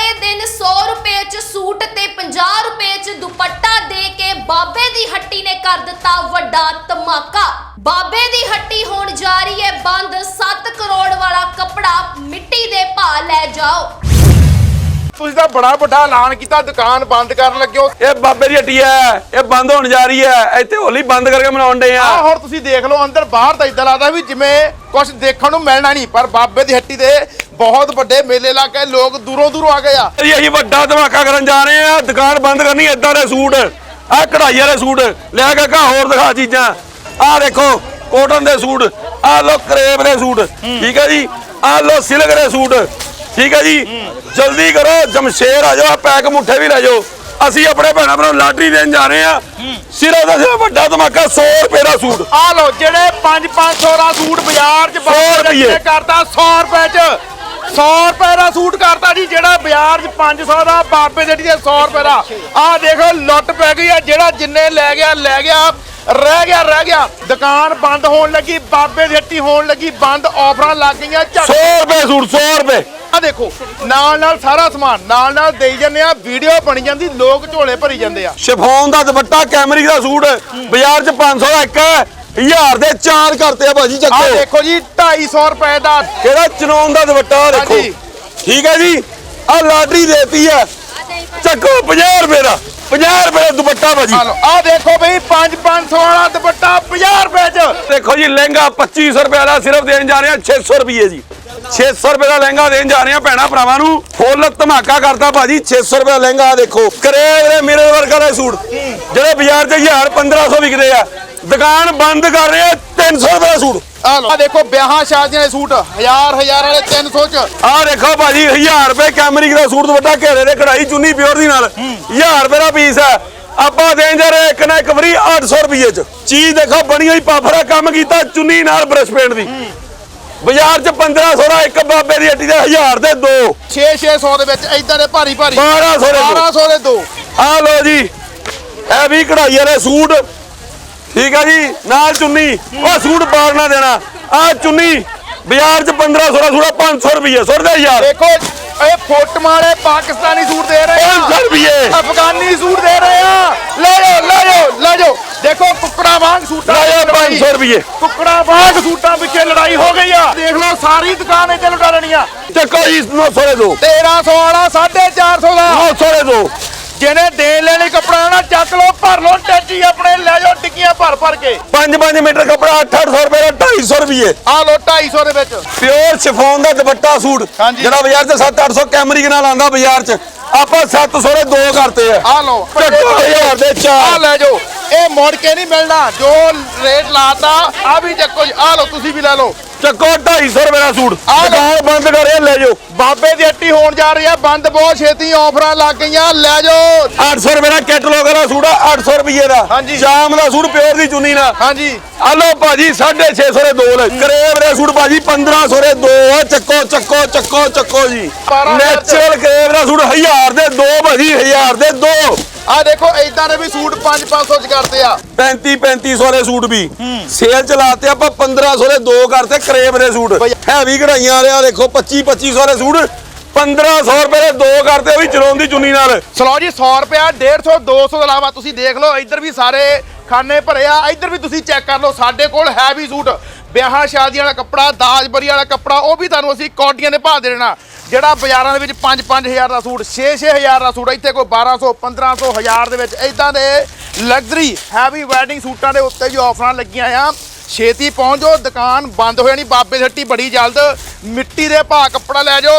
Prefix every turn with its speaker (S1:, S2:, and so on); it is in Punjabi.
S1: ਵਾਲੇ ਦਿਨ 100 रुपए च सूट ते 50 रुपए च दुपट्टा दे के बाबे दी हट्टी ने कर दिता वड्डा धमाका। बाबे दी हट्टी होण जा रही है बंद। 7 करोड़ वाला कपड़ा मिट्टी दे भाव लै जाओ।
S2: ਤੁਸੀਂ ਤਾਂ ਬੜਾ ਵੱਡਾ ਐਲਾਨ ਕੀਤਾ ਦੁਕਾਨ ਬੰਦ ਕਰਨ ਲੱਗੇ ਹੋ।
S3: ਇਹ ਬਾਬੇ ਦੀ ਹੱਟੀ ਹੈ, ਇਹ ਬੰਦ ਹੋਣ ਜਾ ਰਹੀ ਹੈ। ਇੱਥੇ ਹੋਲੀ ਬੰਦ ਕਰਕੇ ਮਨਾਉਣ ਡੇ ਆ।
S2: ਹੁਣ ਤੁਸੀਂ ਦੇਖ ਲਓ ਅੰਦਰ ਬਾਹਰ ਤਾਂ ਇਦਾਂ ਲੱਗਦਾ ਵੀ ਜਿਵੇਂ ਕੁਝ ਦੇਖਣ ਨੂੰ ਮਿਲਣਾ ਨਹੀਂ, ਪਰ ਬਾਬੇ ਦੀ ਹੱਟੀ ਦੇ ਬਹੁਤ ਵੱਡੇ ਮੇਲੇ ਲਾ ਕੇ ਲੋਕ ਦੂਰੋਂ ਦੂਰੋਂ ਆ ਗਏ ਆ।
S3: ਅਸੀਂ ਵੱਡਾ ਧਮਾਕਾ ਕਰਨ ਜਾ ਰਹੇ ਆ। ਦੁਕਾਨ ਬੰਦ ਕਰਨੀ। ਏਦਾਂ ਦੇ ਸੂਟ, ਆਹ ਕਢਾਈ ਵਾਲੇ ਸੂਟ ਲੈ ਕੇ ਘਾ ਹੋਰ ਦਿਖਾ ਚੀਜ਼ਾਂ। ਆਹ ਦੇਖੋ ਕੋਟਨ ਦੇ ਸੂਟ, ਆਹ ਲੋ ਕਰੇਬ ਦੇ ਸੂਟ, ਠੀਕ ਹੈ ਜੀ। ਆਹ ਲੋ ਸਿਲਕ ਦੇ ਸੂਟ, ਠੀਕ ਹੈ ਜੀ। ਜਲਦੀ ਕਰੋ, ਜਮਸ਼ੇਰ ਆ ਜਾਓ, ਪੈਕ ਮੁੱਠੇ ਵੀ ਲੈ ਜਾਓ। ਅਸੀਂ ਆਪਣੇ ਭੈਣਾਂ ਭਰਾ ਲਾਟਰੀ ਦੇਣ ਜਾ ਰਹੇ ਆ। ਸਿਰਫ ਦਾ ਸਿਰਫ ਵੱਡਾ ਧਮਾਕਾ 100 ਰੁਪਏ ਦਾ ਸੂਟ।
S2: ਆਹ ਲੋ ਜਿਹੜੇ 500 ਦਾ ਸੂਟ ਬਾਜ਼ਾਰ 'ਚ
S3: 100 ਰੁਪਏ
S2: ਕਰਤਾ 100 ਰੁਪਏ 'ਚ 100 ਰੁਪਏ ਦਾ ਸੂਟ ਕਰਤਾ ਜੀ। ਜਿਹੜਾ ਬਾਜ਼ਾਰ 'ਚ 500 ਦਾ ਬਾਬੇ ਦੀ ਹੱਟੀ ਦੇ 100 ਰੁਪਏ ਦਾ। ਆਹ ਦੇਖੋ ਲੁੱਟ ਪੈ ਗਈ ਆ। ਜਿਹੜਾ ਜਿੰਨੇ ਲੈ ਗਿਆ ਲੈ ਗਿਆ, ਰਹਿ ਗਿਆ। ਦੁਕਾਨ ਬੰਦ ਹੋਣ ਲੱਗੀ, ਬਾਬੇ ਦੀ ਹੱਟੀ ਹੋਣ ਲੱਗੀ ਬੰਦ। ਆਫਰਾਂ ਲੱਗ ਗਈਆਂ।
S3: 100 ਰੁਪਏ ਸੂਟ, 100 ਰੁਪਏ।
S2: ਆ ਦੇਖੋ ਨਾਲ ਸਾਰਾ ਸਮਾਨ ਨਾਲ ਦੇਈ ਜਾਂਦੇ ਆ। ਵੀਡੀਓ ਬਣੀ ਜਾਂਦੀ, ਲੋਕ ਝੋਲੇ ਭਰੀ ਜਾਂਦੇ ਆ।
S3: ਸ਼ਿਫੋਨ ਦਾ ਦੁਪੱਟਾ, ਕੈਮਰਿਕ ਦਾ ਸੂਟ ਬਾਜ਼ਾਰ 'ਚ 500 ਦਾ ਇੱਕ ਹੈ, 1000 ਦੇ 4 ਕਰਤੇ ਆ ਭਾਜੀ।
S2: ਆ
S3: ਚੱਕੋ
S2: ਦੇਖੋ ਜੀ 250 ਰੁਪਏ ਦਾ
S3: ਕਿਹੜਾ ਚਨੌਨ ਦਾ ਦੁਪੱਟਾ ਦੇਖੋ,
S2: ਹਾਂਜੀ।
S3: ਠੀਕ ਹੈ ਜੀ। ਆ ਲਾਟਰੀ ਦੇਤੀ ਹੈ, ਚੱਕੋ 50 ਰੁਪਏ ਦਾ 50 ਰੁਪਏ ਦਾ ਦੁਪੱਟਾ ਭਾਜੀ।
S2: ਆ ਦੇਖੋ ਬਈ 500 ਵਾਲਾ ਦੁਪੱਟਾ 50 ਰੁਪਏ 'ਚ।
S3: ਦੇਖੋ ਜੀ ਲਹਿੰਗਾ 2500 ਰੁਪਏ ਦਾ ਸਿਰਫ ਦੇਣ ਜਾ ਰਹੇ ਆ 600 ਰੁਪਏ ਜੀ। 600 ਰੁਪਏ ਦਾ ਲਹਿੰਗਾ ਦੇਣ ਜਾ ਰਹੇ ਆ ਭੈਣਾ ਭਰਾਵਾਂ ਨੂੰ। ਫੁੱਲ ਧਮਾਕਾ ਕਰਤਾ ਭਾਜੀ। 600 ਰੁਪਏ ਦਾ ਲਹਿੰਗਾ ਦੇਖੋ। ਕਰੇਬ ਦੇ ਮਿਰਰ ਵਰਗਾ ਦੇ ਸੂਟ ਜਿਹੜੇ ਬਾਜ਼ਾਰ 'ਚ 1000 1500 ਵਿਕਦੇ ਆ, ਦੁਕਾਨ ਬੰਦ ਕਰ ਰਹੇ ਆ 300 ਰੁਪਏ ਦਾ ਸੂਟ।
S2: ਆ ਦੇਖੋ ਵਿਆਹਾਂ ਸ਼ਾਦੀਆਂ ਦੇ ਸੂਟ 1000 ਵਾਲੇ 300 'ਚ।
S3: ਆ ਦੇਖੋ ਭਾਜੀ 1000 ਰੁਪਏ ਕੈਮਰਿਕ ਦਾ ਸੂਟ ਦੁਪੱਟਾ ਘੇਰੇ ਦੇ ਕਢਾਈ ਚੁੰਨੀ ਪਿਓਰ ਦੀ ਨਾਲ 1000 ਰੁਪਏ ਦਾ ਪੀਸ ਹੈ। ਆਪਾਂ ਦੇਣ ਜਾ ਰਹੇ ਇੱਕ ਨਾ ਇੱਕ ਫਰੀ 800 ਰੁਪਏ 'ਚ। ਚੀਜ਼ ਦੇਖੋ ਬਣੀ ਹੋਈ ਪਾਫਰਾ ਕੰਮ ਕੀਤਾ ਚੁੰਨੀ ਨਾਲ ਬਰਸ਼ ਪੇਂਟ ਦੀ। ਬਾਜ਼ਾਰ 'ਚ 1500 ਦਾ ਇੱਕ, ਬਾਬੇ ਦੀ ਹੱਟੀ ਦੇ 1000 ਦੇ 2।
S2: 600 ਦੇ ਵਿੱਚ ਇਦਾਂ ਦੇ ਭਾਰੀ
S3: 1200
S2: ਦੇ 2।
S3: ਆ ਲੋ ਜੀ ਇਹ ਵੀ ਕਢਾਈ ਵਾਲੇ ਸੂਟ, ਠੀਕ ਹੈ ਜੀ। ਨਾਲ ਚੁੰਨੀ, ਉਹ ਸੂਟ ਪਾਰ ਨਾ ਦੇਣਾ। ਆ ਚੁੰਨੀ ਬਾਜ਼ਾਰ 'ਚ 1500 ਦਾ ਸੂਟ 500 ਰੁਪਏ ਸੁੱਟਦੇ ਯਾਰ।
S2: ਦੇਖੋ ਇਹ ਫੋਟੋਆਂ ਵਾਲੇ ਪਾਕਿਸਤਾਨੀ ਸੂਟ ਦੇ ਰਹੇ ਆ
S3: 500 ਰੁਪਏ।
S2: ਅਫਗਾਨੀ ਸੂਟ ਦੇ ਰਹੇ ਆ। ਲੈ ਜਾਓ ਦੇਖੋ ਕੁੱਕੜਾ ਵਾਂਗ ਸੂਟਾਂ ਦੀ ਲੜਾਈ।
S3: 500 ਰੁਪਏ
S2: ਕੁੱਕੜਾ ਵਾਂਗ ਸੂਟਾਂ ਪਿੱਛੇ ਲੜਾਈ ਹੋ ਗਈ ਆ। ਦੇਖ ਲਓ ਸਾਰੀ ਦੁਕਾਨ ਇੱਥੇ ਲੁਟਾ ਲੈਣੀ ਆ।
S3: ਚੱਕੋ ਜੀ 900 ਦੇ 2।
S2: 1300 ਵਾਲਾ 450 ਦਾ।
S3: 900 ਦੇ 2।
S2: ਜਿਹਨੇ ਦੇਣ ਲੈਣੀ ਕੱਪੜਾ ਨਾ ਚੱਕ ਲਓ, ਭਰ ਲਓ ਟੈਚੀ ਆਪਣੇ, ਲੈ ਜਾਓ ਟਿੱਕੀਆਂ ਭਰ ਕੇ।
S3: 5 ਮੀਟਰ ਕੱਪੜਾ 800 ਰੁਪਏ ਦਾ 250 ਰੁਪਏ।
S2: ਆ ਲੋ 250 ਦੇ ਵਿੱਚ
S3: ਪਿਓਰ ਸ਼ਿਫੋਨ ਦਾ ਦੁਪੱਟਾ ਸੂਟ ਜਿਹੜਾ ਬਾਜ਼ਾਰ 'ਚ 700-800 ਕੈਮਰਿਕ ਨਾਲ ਆਂਦਾ ਬਾਜ਼ਾਰ 'ਚ, ਆਪਾਂ 700 ਦੇ 2 ਕਰਤੇ ਆ।
S2: ਆ ਲੋ
S3: 1000 ਦੇ 4।
S2: ਆ ਲੈ ਜਾਓ, ਇਹ ਮੁੜ ਕੇ ਨਹੀਂ ਮਿਲਣਾ। ਜੋ ਰੇਟ ਲਾਤਾ ਆ ਵੀ ਚੱਕੋ ਜੀ। ਆ ਲੋ ਤੁਸੀਂ ਵੀ ਲੈ ਲਓ।
S3: ਚੱਕੋ 250 ਰੁਪਏ ਦਾ ਸੂਟ। ਦੁਕਾਨ ਬੰਦ ਕਰੇ ਲੈ ਜਾਓ।
S2: ਬਾਬੇ ਦੀ ਹੱਟੀ ਹੋਣ ਜਾ ਰਹੀ ਆ ਬੰਦ, ਬਹੁਤ ਛੇਤੀ ਆਫਰਾਂ ਲੱਗ ਗਈਆਂ। ਲੈ ਜਾਓ
S3: 800 ਰੁਪਏ ਦਾ ਕੈਟਲੌਗ ਦਾ ਸੂਟ ਆ 800 ਰੁਪਏ ਦਾ।
S2: ਹਾਂਜੀ।
S3: ਸ਼ਾਮ ਦਾ ਸੂਟ ਪਿਓਰ ਦੀ ਚੁੰਨੀ ਨਾਲ।
S2: ਹਾਂਜੀ
S3: ਆ ਲੋ ਭਾਜੀ 650 ਦੇ 2 ਲੈ। ਕਰੇਬ ਦੇ ਸੂਟ ਭਾਜੀ 1500 ਦੇ 2 ਆ। ਚੱਕੋ ਜੀ। ਨੈਚੁਰਲ ਕਰੇਬ ਦਾ ਸੂਟ 1000 ਦੇ 2 ਭਾਜੀ, 1000 ਦੇ 2।
S2: ਆ ਦੇਖੋ ਇਦਾਂ ਦੇ ਵੀ ਸੂਟ 500 ਚ ਕਰਦੇ ਆ।
S3: 3500 ਦੇ ਸੂਟ ਵੀ ਸੇਲ ਚਲਾਤੇ ਆਪਾਂ 1500 ਦੇ 2 ਕਰਤੇ ਕਰੇਬ ਦੇ ਸੂਟ। ਹੈਵੀ ਕਢਾਈਆਂ ਵਾਲੇ ਆ ਦੇਖੋ 2500 ਦੇ ਸੂਟ 1500 ਰੁਪਏ ਦੇ 2 ਕਰਤੇ, ਵੀ ਚਲੋਂ ਦੀ ਚੁੰਨੀ ਨਾਲ।
S2: ਚਲੋ ਜੀ 100 ਰੁਪਿਆ 150 200 ਤੋਂ ਇਲਾਵਾ ਤੁਸੀਂ ਦੇਖ ਲਓ ਇੱਧਰ ਵੀ ਸਾਰੇ ਖਾਨੇ ਭਰੇ ਆ। ਇੱਧਰ ਵੀ ਤੁਸੀਂ ਚੈੱਕ ਕਰ ਲਓ। ਸਾਡੇ ਕੋਲ ਹੈਵੀ ਸੂਟ, ਵਿਆਹਾਂ ਸ਼ਾਦੀਆਂ ਵਾਲਾ ਕੱਪੜਾ, ਦਾਜਬਰੀ ਵਾਲਾ ਕੱਪੜਾ, ਉਹ ਵੀ ਤੁਹਾਨੂੰ ਅਸੀਂ ਕੌਡੀਆਂ ਦੇ ਭਾਅ ਦੇ ਦੇਣਾ। ਜਿਹੜਾ ਬਾਜ਼ਾਰਾਂ ਦੇ ਵਿੱਚ 5-5000 ਦਾ ਸੂਟ, 6-6000 ਦਾ ਸੂਟ, ਇੱਥੇ ਕੋਈ 1200 1500 1000 ਦੇ ਵਿੱਚ ਇਦਾਂ ਦੇ ਲਗਜ਼ਰੀ ਹੈਵੀ ਵੈਡਿੰਗ ਸੂਟਾਂ ਦੇ ਉੱਤੇ ਵੀ ਆਫਰਾਂ ਲੱਗੀਆਂ ਆ। ਛੇਤੀ ਪਹੁੰਚ ਜਾਓ, ਦੁਕਾਨ ਬੰਦ ਹੋ ਜਾਣੀ। ਬਾਬੇ ਦੀ ਹੱਟੀ ਬੜੀ ਜਲਦ। ਮਿੱਟੀ ਦੇ ਭਾਅ ਕੱਪੜਾ ਲੈ ਜਾਓ।